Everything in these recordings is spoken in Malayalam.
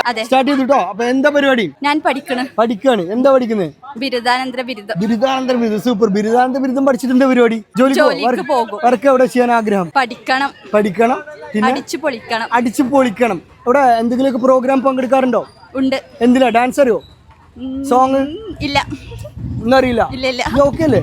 സ്റ്റാർട്ട് ചെയ്തിട്ടോ. അപ്പൊ എന്താ പരിപാടി? ഞാൻ പഠിക്കാണ്. എന്താ പഠിക്കുന്നത്? ബിരുദാനന്തര ബിരുദം. സൂപ്പർ. ബിരുദാനന്തര ബിരുദം പഠിച്ചിട്ട് എന്താ പരിപാടി? ജോലിക്ക് പോകും. വർക്ക് എവിടെ ചെയ്യാൻ ആഗ്രഹം? പഠിക്കണം. പിന്നെ അടിച്ചു പൊളിക്കണം. ഇവിടെ എന്തെങ്കിലുമൊക്കെ പ്രോഗ്രാം പങ്കെടുക്കാറുണ്ടോ? ഉണ്ട്. എന്തിനാ? ഡാൻസ് അറിയോ? സോങ് ഇല്ല. ഒന്നും അറിയില്ല. ഓക്കെ അല്ലേ?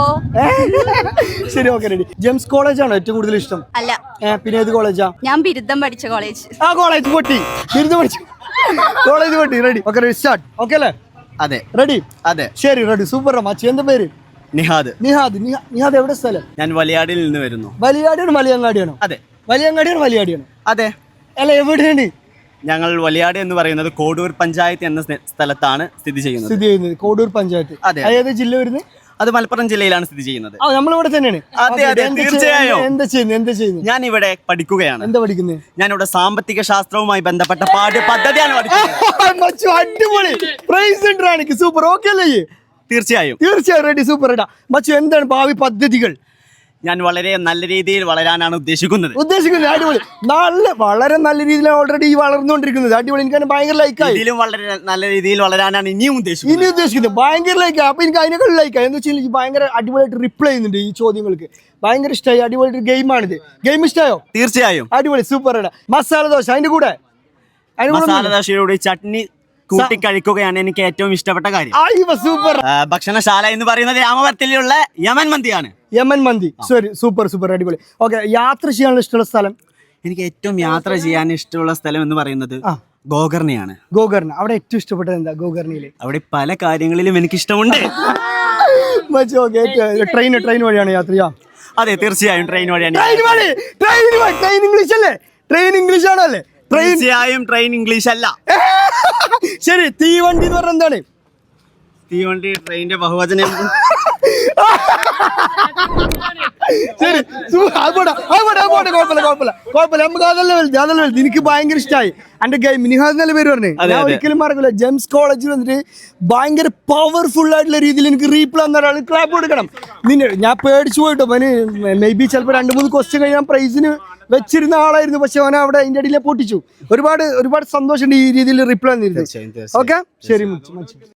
ശരി, ഓക്കെ, റെഡി. ജെംസ് കോളേജ് ആണോ ഏറ്റവും കൂടുതൽ ഇഷ്ടം? അല്ല. പിന്നെ ഏത് കോളേജാ? ഞാൻ ബിരുദം പഠിച്ച കോളേജ്. ആ കോളേജ് പൊട്ടി. ബിരുദം പഠിച്ചു കോളേജ് പൊട്ടി. Ready, okay, ready, start. Okay അല്ലേ? അതെ. റെഡി? അതെ. ശരി, റെഡി, സൂപ്പർ. മച്ചി എന്താ പേര്? നിഹാദ് എവിടെ സ്ഥലം? ഞാൻ വലിയാടിൽ നിന്ന് വരുന്നു. വലിയാടിയാണോ വലിയങ്ങാടിയാണോ? അതെ. വലിയാടിയാണോ? അതെ. അല്ല, എവിടെയാണ്? ഞങ്ങൾ വലിയാട് എന്ന് പറയുന്നത് കോഡൂർ പഞ്ചായത്ത് എന്ന സ്ഥലത്താണ് സ്ഥിതി ചെയ്യുന്നത്. കോഡൂർ പഞ്ചായത്ത്. അതെ. ഏത് ജില്ല വരുന്നത്? അത് മലപ്പുറം ജില്ലയിലാണ് സ്ഥിതി ചെയ്യുന്നത്. നമ്മളിവിടെ തന്നെയാണ്. അതെ, തീർച്ചയായും. എന്താ ചെയ്യുന്നത്? ഞാൻ ഇവിടെ പഠിക്കുകയാണ്. എന്താ പഠിക്കുന്നത്? ഞാനിവിടെ സാമ്പത്തിക ശാസ്ത്രവുമായി ബന്ധപ്പെട്ട പാഠ്യപദ്ധതിയാണ് പഠിക്കുന്നത്. അടിപൊളി. Price super. ഓക്കെ അല്ലേ? തീർച്ചയായും. Ready, super. മച്ചു, എന്താണ് ഭാവി പദ്ധതികൾ? ഞാൻ വളരെ നല്ല രീതിയിൽ വളരാനാണ് ഉദ്ദേശിക്കുന്നത്. അടിപൊളി. വളരെ നല്ല രീതിയിൽ ഓൾറെഡി വളർന്നുകൊണ്ടിരിക്കുന്നത്. അടിപൊളി. എനിക്ക് ഭയങ്കര ലൈക്കായി. ഇതിലും വളരെ നല്ല രീതിയിൽ വളരാനാണ് ഇനിയും ഉദ്ദേശിക്കുന്നത്. ഭയങ്കര ലൈക്കായി. അപ്പൊ എനിക്ക് അതിനേക്കാൾ ലൈക്കായി. എന്ന് വെച്ചാൽ എനിക്ക് ഭയങ്കര അടിപൊളിയായിട്ട് റിപ്ലൈ ചെയ്യുന്നുണ്ട് ഈ ചോദ്യങ്ങൾക്ക്. ഭയങ്കര ഇഷ്ടമായി. അടിപൊളി ഗെയിമാണിത്. ഗെയിം ഇഷ്ടമായോ? തീർച്ചയായും. അടിപൊളി, സൂപ്പർ. മസാല ദോശ, അതിന്റെ കൂടെ മസാല ദോശയോട് ചട്നി കൂട്ടി കഴിക്കുകയാണ് എനിക്ക് ഏറ്റവും ഇഷ്ടപ്പെട്ട കാര്യം. സൂപ്പർ. ഭക്ഷണശാല എന്ന് പറയുന്നത് രാമവർത്തിലുള്ള യമൻ മന്തി. ശരി, സൂപ്പർ. അടിപൊളി. ഓക്കെ, യാത്ര ചെയ്യാനുള്ള ഇഷ്ടമുള്ള സ്ഥലം? എനിക്ക് ഏറ്റവും യാത്ര ചെയ്യാൻ ഇഷ്ടമുള്ള സ്ഥലം എന്ന് പറയുന്നത് ഗോകർണയാണ്. അവിടെ ഏറ്റവും ഇഷ്ടപ്പെട്ടത് എന്താ ഗോകർണയില്? അവിടെ പല കാര്യങ്ങളിലും എനിക്ക് ഇഷ്ടമുണ്ട്. ട്രെയിൻ വഴിയാണ് യാത്ര ചെയ്യാം? അതെ, തീർച്ചയായും ട്രെയിൻ വഴിയാണ്. ട്രെയിൻ ഇംഗ്ലീഷ് അല്ലേ? ട്രെയിൻ ഇംഗ്ലീഷ് ആണല്ലേ? തീർച്ചയായും ട്രെയിൻ ഇംഗ്ലീഷ് അല്ല. ശരി, തീവണ്ടി എന്ന് പറഞ്ഞ എന്താണ്? തീവണ്ടി ട്രെയിനിന്റെ ബഹുവചനം. ശരി, കുഴപ്പമില്ല. നമുക്ക് അതല്ല വലുത്. എനിക്ക് ഭയങ്കര ഇഷ്ടമായി എന്റെ ഗെയിം. നിഹാദ് നല്ല പേര് പറഞ്ഞു. ഞാൻ ഒരിക്കലും മറക്കില്ല. ജെംസ് കോളേജിൽ വന്നിട്ട് ഭയങ്കര പവർഫുൾ ആയിട്ടുള്ള രീതിയിൽ എനിക്ക് റീപ്ലൈ തന്ന ഒരാൾ ക്ലാപ്പ് കൊടുക്കണം. ഞാൻ പേടിച്ചു പോയിട്ടോ. മേ ബി ചിലപ്പോൾ 2-3 ക്വസ്റ്റ്യൻ കഴിഞ്ഞാൽ പ്രൈസിന് വെച്ചിരുന്ന ആളായിരുന്നു. പക്ഷെ അവനെ അവിടെ അതിന്റെ അടിയിലെ പൊട്ടിച്ചു. ഒരുപാട് സന്തോഷമുണ്ട് ഈ രീതിയിൽ റിപ്ലൈ തന്നിരുന്നു. ഓക്കെ, ശരി.